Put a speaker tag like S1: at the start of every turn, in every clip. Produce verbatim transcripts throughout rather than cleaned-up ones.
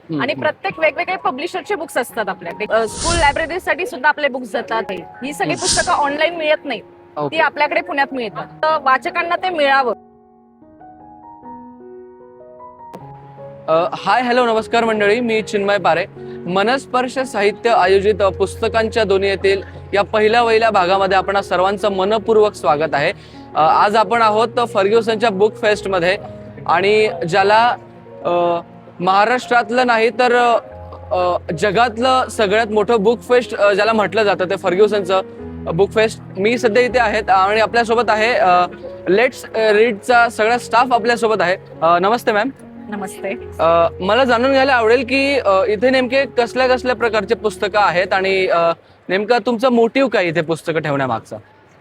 S1: हम्म,
S2: आणि
S1: हम्म.
S2: प्रत्येक वेगवेगळे पब्लिशरचे बुक्स असतात आपल्याकडे. स्कूल लायब्ररीसाठी सुद्धा आपले बुक्स जातात. ही सगळी
S1: हम्म.
S2: पुस्तकं ऑनलाईन मिळत नाहीत, ती
S1: ओके.
S2: आपल्याकडे पुण्यात मिळतात. तर वाचकांना ते मिळावं.
S1: अ, हाय हॅलो नमस्कार मंडळी, मी चिन्मय पारे. मनस्पर्श साहित्य आयोजित अ, पुस्तकांच्या दुनियेतील या पहिल्या वहिल्या भागामध्ये आपण सर्वांचं मनपूर्वक स्वागत आहे. अ, आज आपण आहोत फर्ग्युसनच्या बुक फेस्टमध्ये आणि ज्याला अ, महाराष्ट्रातलं नाही तर अ, अ, जगातलं सगळ्यात मोठं बुक फेस्ट अ, ज्याला म्हटलं जातं ते फर्ग्युसनचं बुक फेस्ट. मी सध्या इथे आहेत आणि आपल्यासोबत आहे लेट्स रीडचा सगळा स्टाफ आपल्यासोबत आहे. अ, नमस्ते मॅम.
S2: नमस्ते.
S1: अ, मला जाणून घ्यायला आवडेल की अ, इथे नेमके कसल्या कसल्या प्रकारचे पुस्तकं आहेत आणि अ, नेमका तुमचा मोटिव्ह काय इथे पुस्तकं ठेवण्यामागचा?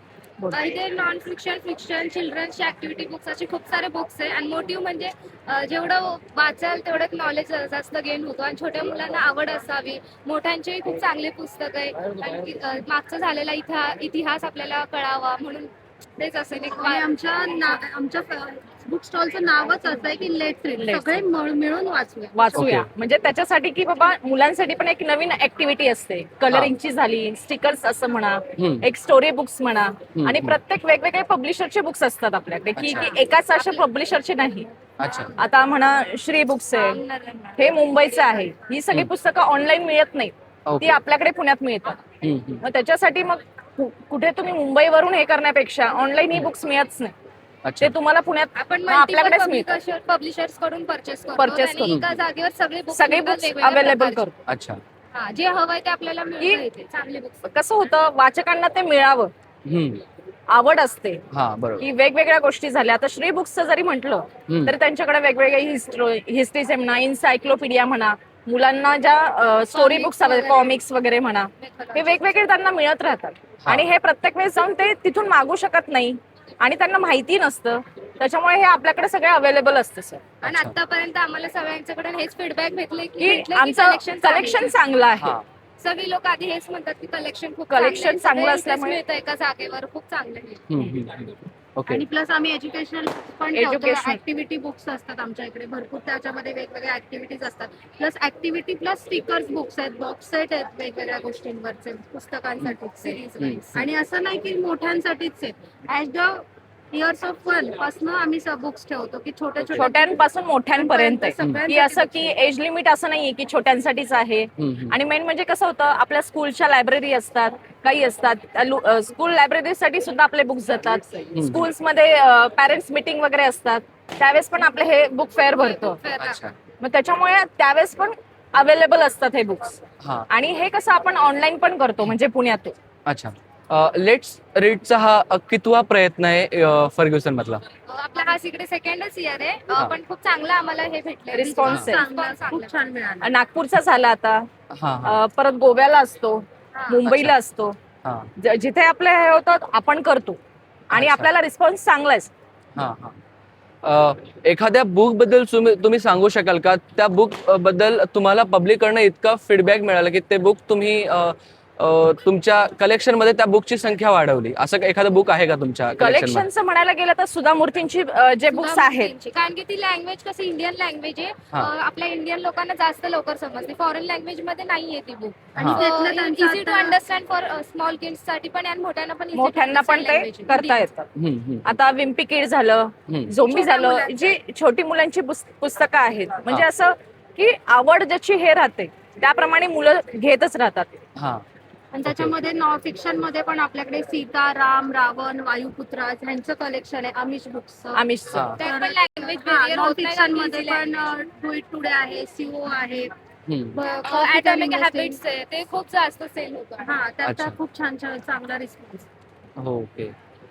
S3: इथे नॉन फिक्शन, फिक्शन, चिल्ड्रन्सचे ऍक्टिव्हिटी बुक्स असे खूप सारे बुक्स आहे. आणि मोटिव्ह म्हणजे अ, जेवढं वाचाल तेवढं नॉलेज जास्त गेन होतो आणि छोट्या मुलांना आवड असावी. मोठ्यांचेही खूप चांगले पुस्तक आहे आणि अ, मागचा झालेला इतिहा इतिहास आपल्याला कळावा म्हणून तेच असेल एक
S4: आणि आमच्या ना आमच्या बुक स्टॉलचं नावच असं आहे की लेट्स रीड,
S2: Let's
S4: सगळे मिळ- मिळून वाचूया.
S2: वाचूया.
S1: ओके.
S2: म्हणजे त्याच्यासाठी की बाबा मुलांसाठी पण एक नवीन ऍक्टिव्हिटी असते. कलरिंगची झाली, स्टिकर्स असं म्हणा,
S1: हम्म.
S2: एक स्टोरी बुक्स म्हणा. आणि
S1: हम्म.
S2: प्रत्येक वेगवेगळे पब्लिशरचे बुक्स असतात आपल्याकडे, की
S1: अच्छा.
S2: की एकाच अशा पब्लिशरचे नाही.
S1: अच्छा.
S2: आता म्हणा श्री बुक्स आहे, हे मुंबईचं आहे. ही सगळी
S1: हम्म.
S2: पुस्तकं ऑनलाईन मिळत नाहीत,
S1: ओके.
S2: ती आपल्याकडे पुण्यात मिळतात.
S1: हम्म, हम्म.
S2: मग त्याच्यासाठी मग कु- कुठे तुम्ही मुंबईवरून हे करण्यापेक्षा ऑनलाईन ही बुक्स मिळतच नाही.
S1: अच्छा.
S2: ते तुम्हाला पुण्यात
S3: आपण
S2: मग आपल्याकडेच मिळतात.
S3: मल्टिपल पब्लिशर्स कडून परचेस करतो
S2: Purchase
S3: आणि
S2: करून.
S3: एका जागेवर सगळे बुक्स
S2: सगळे बुक्स अवेलेबल करतो.
S1: अच्छा.
S3: हा जे हवंय ते आपल्याला
S2: की-
S3: मिळतं इथे. चांगले बुक्स
S2: कसं होतं, वाचकांना ते मिळावं,
S1: हम्म.
S2: आवड असते
S1: हा बरोबर.
S2: की वेगवेगळ्या गोष्टी झाल्या. आता श्री बुक्सचं जरी म्हटलं
S1: हम्म.
S2: तर त्यांच्याकडे वेगवेगळे हिस्ट्री हिस्ट्रीचे म्हणा, इन्सायक्लोपीडिया म्हणा, मुलांना ज्या स्टोरी बुक्स
S3: वगैरे.
S2: कॉमिक्स वगैरे म्हणा, हे वेगवेगळे त्यांना मिळत राहतात.
S1: हा.
S2: आणि हे प्रत्येक वेळेस जाऊन ते तिथून मागू शकत नाही आणि त्यांना माहिती नसतं. त्याच्यामुळे हे आपल्याकडे सगळे अवेलेबल असतं सर.
S3: आणि
S1: अच्छा.
S3: आतापर्यंत आम्हाला सगळ्यांच्याकडून हेच फीडबॅक भेटले की
S2: की
S3: भेटले की
S2: आमचं
S3: कलेक्शन
S2: कलेक्शन चांगलं आहे.
S1: हा.
S3: सगळे लोक आधी हेच म्हणतात की कलेक्शन खूप
S2: Collection
S3: चांगलं आहे.
S2: चांगलं
S3: सगळे इथेच
S2: असल्यामुळे-
S3: मिळतं एका जागेवर, खूप चांगलं आहे.
S1: हम्म, हम्म, हम्म. ओके.
S4: आणि प्लस आम्ही एज्युकेशनल पण ठेवतो.
S2: Educational.
S4: ऍक्टिव्हिटी बुक्स असतात आमच्या इकडे भरपूर, त्याच्यामध्ये वेगवेगळ्या ऍक्टिव्हिटीज असतात. Plus activity plus stickers books आहेत, बॉक्स सेट आहेत वेगवेगळ्या गोष्टींवरचे पुस्तकांसाठी सिरीज
S1: हम्म.
S4: वाईज. आणि असं नाही की मोठ्यांसाठीच आहेत. Age the years of one पासून आम्ही बुक्स ठेवतो की छोट्या छोट्या
S2: छोट्यांपासून मोठ्यांपर्यंत आहे.
S4: सगळ्यांसाठी
S2: की असं की
S4: books
S2: एज लिमिट असं नाहीये की छोट्यांसाठीच आहे.
S1: हम्म, हम्म.
S2: आणि मेन म्हणजे कसं होतं, आपल्या स्कूलच्या लायब्ररी असतात, काही असतात. स्कूल लायब्ररीसाठी सुद्धा आपले बुक्स जातात. स्कूल्समध्ये पॅरेंट्स मीटिंग वगैरे असतात, त्यावेळेस पण आपले हे बुक फेअर भरतो.
S1: अच्छा.
S2: मग त्याच्यामुळे त्यावेळेस पण अवेलेबल असतात हे बुक्स.
S1: हा.
S2: आणि हे कसं आपण ऑनलाईन पण करतो, म्हणजे पुण्यातून.
S1: अच्छा. लेट्स रीडचा हा अ, कितवा प्रयत्न आहे अ, फर्ग्युसन मधला?
S3: आपला हा इकडे सेकंडच इयर आहे.
S1: हा.
S3: अ, पण खूप चांगला आम्हाला हे भेटलं
S2: Response आहे.
S4: चांगला, खूप छान मिळाला.
S2: नागपूरचा झाला आता,
S1: हा हा
S2: अ, परत गोव्याला असतो, मुंबईला असतो.
S1: हा
S2: ज- जिथे आपले हे होतं आपण करतो आणि
S1: अच्छा.
S2: आपल्याला रिस्पॉन्स चांगला आहे.
S1: हा हा. अ, एखाद्या बुक बद्दल तुम्ही तुम्ही सांगू शकाल का, त्या बुक बद्दल तुम्हाला पब्लिककडनं इतका फीडबॅक मिळाला की ते बुक तुम्ही अ, अ, तुमच्या कलेक्शन मध्ये त्या बुकची संख्या वाढवली, असं का- एखादं बुक आहे का तुमच्या कलेक्शन मध्ये?
S2: कलेक्शनचं म्हणायला गेलं तर सुधा मूर्तींची अ, जे बुक्स आहेत,
S3: मूर्तींची. कारण की ती लँग्वेज कसं इंडियन लँग्वेज आहे.
S1: हा.
S3: अ, आपल्या इंडियन लोकांना जास्त लवकर समजते. फॉरेन लँग्वेज मध्ये नाहीये ती बुक.
S1: हा.
S3: आणि
S4: त्यातलं त्यांचं
S3: इझी टू
S4: आता-
S3: अंडरस्टँड फॉर स्मॉल किड्स साठी पण आणि मोठ्यांना पण easy to
S2: मोठ्यांना पण
S3: understand
S2: ते
S3: language आहे.
S2: करता येतात.
S1: हम्म, हम्म.
S2: आता विम्पी किड झालं,
S1: हम्म.
S2: झोंबी
S4: छोट्या
S2: झालं,
S4: मुलांचं.
S2: जी छोटी मुलांची पुस- पुस्तकं आहेत. म्हणजे
S1: हा.
S2: असं की आवड ज्याची हे राहते त्याप्रमाणे मुलं घेतच राहतात.
S1: हा.
S4: आणि त्याच्यामध्ये नॉन फिक्शन मध्ये पण आपल्याकडे सीता, राम, रावण, वायुपुत्र यांचं कलेक्शन आहे. आमिष बुक्स.
S2: आमिषचं.
S1: हा.
S3: त्यात पण लँग्वेज
S4: नॉन
S3: बेरियर होत
S4: फिक्शन
S3: नाही.
S4: मध्ये पण डू इट टुडे आहे, सीओ आहे,
S1: हम्म.
S3: ऍटॉमिक हॅबिट्स आहे, ते खूप जास्त सेल होतं.
S4: हा त्याचा
S1: अच्छा.
S4: खूप छान छान चांगला रिस्पॉन्स.
S1: हो, ओके.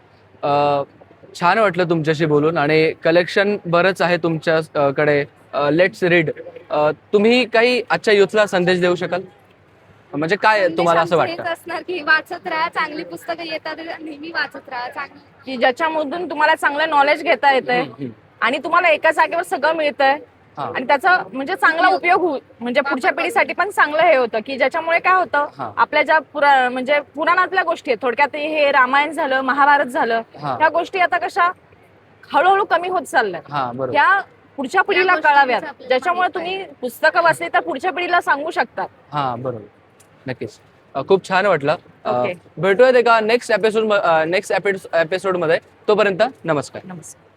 S1: अ, छान वाटलं तुमच्याशी बोलून आणि कलेक्शन बरंच आहे तुमच्याकडे. लेट्स रीड, तुम्ही काही आजच्या युथला संदेश देऊ शकाल, म्हणजे काय तुम्हाला असं
S3: संदेश
S1: वाटतं?
S3: हेच असणार की वाचत राहा, चांगली पुस्तकं येतात नेहमी वाचत राहा. चांगली
S2: की ज्याच्यामधून तुम्हाला चांगलं नॉलेज घेता येतंय
S1: हम्म, हम्म.
S2: आणि तुम्हाला एका जागेवर सगळं मिळतंय
S1: हा.
S2: आणि त्याचा म्हणजे चांगला उपयोग होईल, म्हणजे पुढच्या पिढीसाठी पण चांगलं हे होतं. की ज्याच्यामुळे काय होतं,
S1: हा.
S2: आपल्या ज्या पुरा म्हणजे पुराणातल्या गोष्टी आहेत, थोडक्यात हे रामायण झालं, महाभारत झालं,
S1: हा.
S2: ह्या गोष्टी आता कशा हळूहळू कमी होत चालल्या.
S1: हा बरोबर.
S2: ह्या पुढच्या पिढीला
S4: गोष्टी
S2: कळाव्यात,
S4: आपल्याला
S2: ज्याच्यामुळे
S4: माहित
S2: तुम्ही पुस्तकं वाचली तर पुढच्या पिढीला सांगू शकता.
S1: हा बरोबर, नक्कीच. अ, खूप छान वाटलं. अ,
S2: ओके.
S1: भेटूयात एका नेक्स्ट एपिसोड नेक्स्ट एपिसोड मध्ये. तोपर्यंत नमस्कार.
S2: नमस्कार.